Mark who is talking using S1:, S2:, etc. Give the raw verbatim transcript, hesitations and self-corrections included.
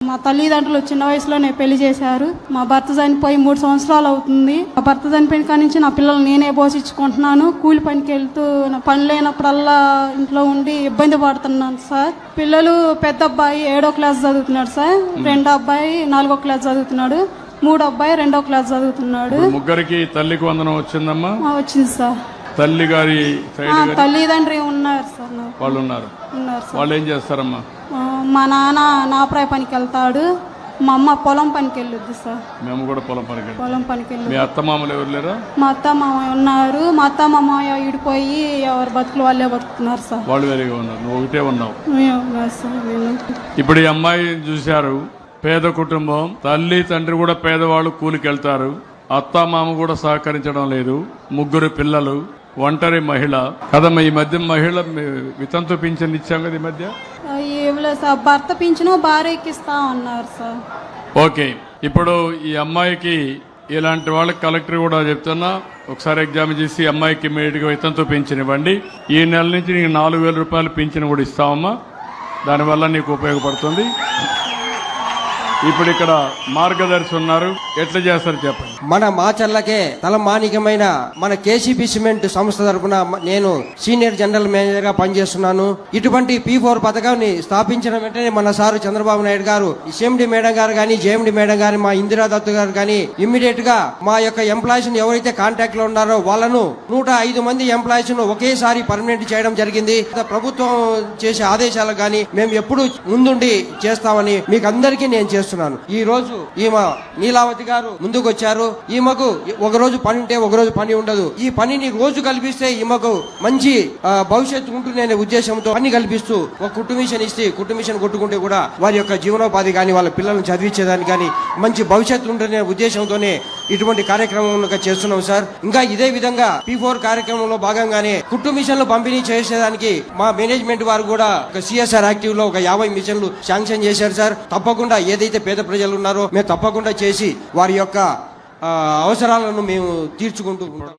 S1: మా తల్లిదండ్రులు చిన్న వయసులోనే పెళ్లి చేశారు. మా భర్త చనిపోయి మూడు సంవత్సరాలు అవుతుంది. మా భర్త చనిపోయిన కాడి నుంచి నా పిల్లలు నేనే పోషించుకుంటున్నాను. కూలి పనికి వెళ్తూ నా పని లేనప్పుడల్లా ఇంట్లో ఉండి ఇబ్బంది పడుతున్నాను సార్. పిల్లలు పెద్ద అబ్బాయి ఏడో క్లాస్ చదువుతున్నాడు సార్. రెండో అబ్బాయి నాలుగో క్లాస్ చదువుతున్నాడు. మూడో అబ్బాయి రెండో క్లాస్ చదువుతున్నాడు.
S2: ముగ్గురికి తల్లికి వందనం వచ్చిందమ్మా?
S1: వచ్చింది సార్.
S2: తల్లి గారి
S1: తల్లిదండ్రి ఉన్నారు సార్.
S2: వాళ్ళు ఉన్నారు.
S1: ఉన్నారు సార్.
S2: వాళ్ళు ఏం చేస్తారమ్మా?
S1: మా నాన్న నాపరాయ పనికి వెళ్తాడు. మా అమ్మ పొలం పనికి వెళ్ళొద్దు సార్.
S2: మేము కూడా పొలం పనికి
S1: పొలం పనికి వెళ్ళి.
S2: మీ అత్త మామలు ఎవరు లేరా?
S1: మా అత్త మామయ్య ఉన్నారు. మా అత్త మామయ్య ఇడిపోయి ఎవరు బతుకులు వాళ్ళే బతుకుతున్నారు సార్.
S2: వాళ్ళు వేరేగా ఉన్నారు, నువ్వు ఒకటే ఉన్నావు.
S1: సార్
S2: ఇప్పుడు ఈ అమ్మాయి చూశారు, పేద కుటుంబం, తల్లి తండ్రి కూడా పేదవాళ్ళు, కూలికి వెళ్తారు. అత్త మామ కూడా సహకరించడం లేదు. ముగ్గురు పిల్లలు, ఒంటరి మహిళ కదమ్మా. ఈ మధ్య మహిళ వితంతు పింఛన్ ఇచ్చాం కదా ఈ మధ్య.
S1: సార్ భర్త పింఛను భార్యకి ఇస్తా ఉన్నారు సార్.
S2: ఓకే, ఇప్పుడు ఈ అమ్మాయికి ఇలాంటి వాళ్ళకి కలెక్టర్ కూడా చెప్తున్నా, ఒకసారి ఎగ్జామ్ చేసి అమ్మాయికి ఇమీడియట్ గా వితంతు పింఛన్ ఇవ్వండి. ఈ నెల నుంచి నీకు నాలుగు వేల రూపాయలు పింఛన్ కూడా ఇస్తామమ్మా. దానివల్ల నీకు ఉపయోగపడుతుంది. ఇప్పుడు ఇక్కడ మార్గదర్శి ఉన్నారు, ఎట్లా చేస్తారు చెప్పండి.
S3: మన మాచర్లకే తలమానికమైన మన కేసీపీ సిమెంట్ సంస్థ తరఫున నేను సీనియర్ జనరల్ మేనేజర్ గా పనిచేస్తున్నాను. ఇటువంటి పీ ఫోర్ పథకాన్ని స్థాపించిన వెంటనే మన సారు చంద్రబాబు నాయుడు గారు, సిఎండి మేడం గారు కానీ, జేఎండి మేడం గారు, మా ఇందిరా దత్తు గారు కానీ ఇమ్మీడియట్ గా మా యొక్క ఎంప్లాయీస్ ఎవరైతే కాంటాక్ట్ లో ఉన్నారో వాళ్ళను నూట ఐదు మంది ఎంప్లాయీస్ ను ఒకేసారి పర్మనెంట్ చేయడం జరిగింది. ప్రభుత్వం చేసే ఆదేశాలు కానీ మేము ఎప్పుడు ముందుండి చేస్తామని మీకు అందరికీ నేను చేస్తున్నాను. ఈ రోజు ఈమె నీలావతి గారు ముందుకు వచ్చారు. ఈమెకు ఒక రోజు పని ఉంటే ఒక రోజు పని ఉండదు. ఈ పనిని రోజు కల్పిస్తే ఈమెకు మంచి భవిష్యత్తు ఉంటుందనే ఉద్దేశంతో పని కల్పిస్తూ ఒక కుటుంబిషన్ ఇస్తే కుటుంబిషన్ కొట్టుకుంటే కూడా వారి యొక్క జీవనోపాధి కానీ వాళ్ళ పిల్లలను చదివించేదానికి కానీ మంచి భవిష్యత్తు ఉంటుందనే ఉద్దేశంతోనే ఇటువంటి కార్యక్రమం చేస్తున్నాం సార్. ఇంకా ఇదే విధంగా పీ ఫోర్ కార్యక్రమంలో భాగంగానే కుట్టు మిషన్లు పంపిణీ చేసేదానికి మా మేనేజ్మెంట్ వారు కూడా ఒక సిఎస్ఆర్ యాక్టివ్ లో ఒక యాభై మిషన్లు శాంక్షన్ చేశారు సార్. తప్పకుండా ఏదైతే పేద ప్రజలు ఉన్నారో మేము తప్పకుండా చేసి వారి యొక్క అవసరాలను మేము తీర్చుకుంటూ ఉంటాం.